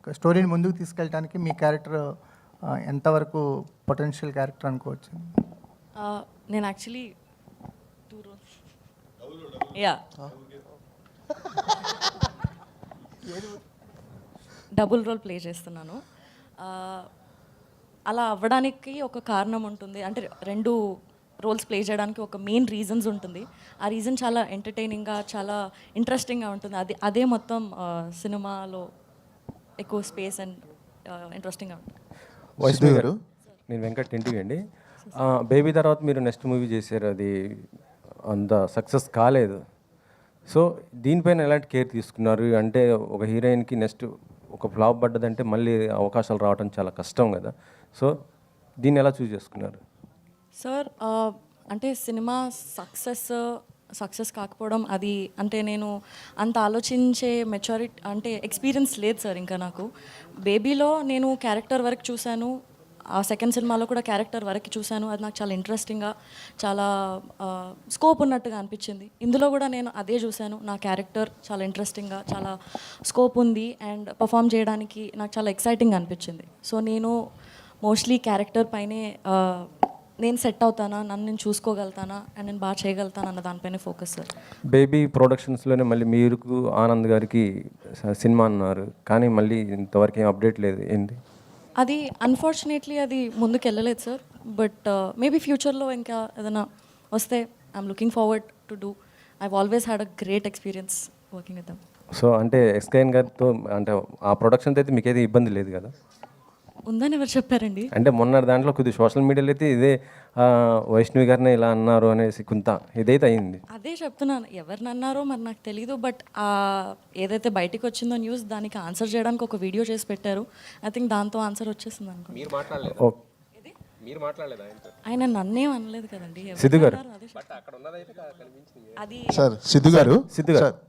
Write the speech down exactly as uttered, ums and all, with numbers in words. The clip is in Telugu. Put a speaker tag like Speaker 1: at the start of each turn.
Speaker 1: స్టోరీని ముందుకు తీసుకెళ్ళడానికి మీ క్యారెక్టర్ ఎంతవరకు పొటెన్షియల్ క్యారెక్టర్ అనుకోవచ్చు?
Speaker 2: నేను యాక్చువల్లీ టూ రోల్స్ యా డబుల్ రోల్ ప్లే చేస్తున్నాను. అలా అవ్వడానికి ఒక కారణం ఉంటుంది, అంటే రెండు రోల్స్ ప్లే చేయడానికి ఒక మెయిన్ రీజన్స్ ఉంటుంది. ఆ రీజన్ చాలా ఎంటర్టైనింగ్గా, చాలా ఇంట్రెస్టింగ్గా ఉంటుంది. అది అదే మొత్తం సినిమాలో ఎక్కువ స్పేస్ అండ్ ఇంట్రెస్టింగ్గా ఉంటుంది.
Speaker 3: వైష్ణవి గారు, నేను వెంకట్ ఇంటికి అండి. బేబీ తర్వాత మీరు నెక్స్ట్ మూవీ చేశారు, అది అంత సక్సెస్ కాలేదు. సో దీనిపైన ఎలాంటి కేర్ తీసుకున్నారు? అంటే ఒక హీరోయిన్కి నెక్స్ట్ ఒక ఫ్లాప్ పడ్డదంటే మళ్ళీ అవకాశాలు రావడం చాలా కష్టం కదా. సో దీన్ని ఎలా చూస్ చేసుకున్నారు?
Speaker 2: సార్ అంటే సినిమా సక్సెస్ సక్సెస్ కాకపోవడం అది అంటే నేను అంత ఆలోచించే మెచ్యూరిటీ అంటే ఎక్స్పీరియన్స్ లేదు సార్ ఇంకా నాకు. బేబీలో నేను క్యారెక్టర్ వరకు చూశాను, ఆ సెకండ్ సినిమాలో కూడా క్యారెక్టర్ వరకు చూశాను. అది నాకు చాలా ఇంట్రెస్టింగ్గా, చాలా స్కోప్ ఉన్నట్టుగా అనిపించింది. ఇందులో కూడా నేను అదే చూశాను, నా క్యారెక్టర్ చాలా ఇంట్రెస్టింగ్గా, చాలా స్కోప్ ఉంది అండ్ పర్ఫామ్ చేయడానికి నాకు చాలా ఎక్సైటింగ్ అనిపించింది. సో నేను మోస్ట్లీ క్యారెక్టర్ పైనే నేను సెట్ అవుతానా, నన్ను నేను చూసుకోగలుగుతానా అండ్ నేను బాగా చేయగలుగుతాను అన్న దానిపైనే ఫోకస్ సార్.
Speaker 3: బేబీ ప్రొడక్షన్స్లోనే మళ్ళీ మీరు ఆనంద్ గారికి సినిమా అన్నారు, కానీ మళ్ళీ ఇంతవరకు ఏం అప్డేట్ లేదు, ఏంటి
Speaker 2: అది? అన్ఫార్చునేట్లీ అది ముందుకు వెళ్ళలేదు సార్. బట్ మేబీ ఫ్యూచర్లో ఇంకా ఏదైనా వస్తే I'm looking forward to do. I always had a great experience working with them.
Speaker 3: So అంటే ఎస్కేఎన్ గారితో అంటే ఆ ప్రొడక్షన్తో అయితే మీకైతే ఇబ్బంది లేదు కదా?
Speaker 2: ఉందని ఎవరు చెప్పారండి?
Speaker 3: అంటే మొన్న దాంట్లో కొద్దిగా సోషల్ మీడియాలో అయితే ఇదే వైష్ణవి గారిని ఇలా అన్నారు అనేసి కొంత ఇదైతే అయింది.
Speaker 2: అదే చెప్తున్నాను, ఎవరిని అన్నారో మరి నాకు తెలీదు. బట్ ఏదైతే బయటికి వచ్చిందో న్యూస్, దానికి ఆన్సర్ చేయడానికి ఒక వీడియో చేసి పెట్టారు. ఐ థింక్ దాంతో ఆన్సర్ వచ్చేసింది అనుకో. ఆయన నన్నేం అనలేదు కదండి.
Speaker 3: సిద్ధు గారు,
Speaker 2: అది
Speaker 4: సార్ సిద్ధు గారు సిద్ధు గారు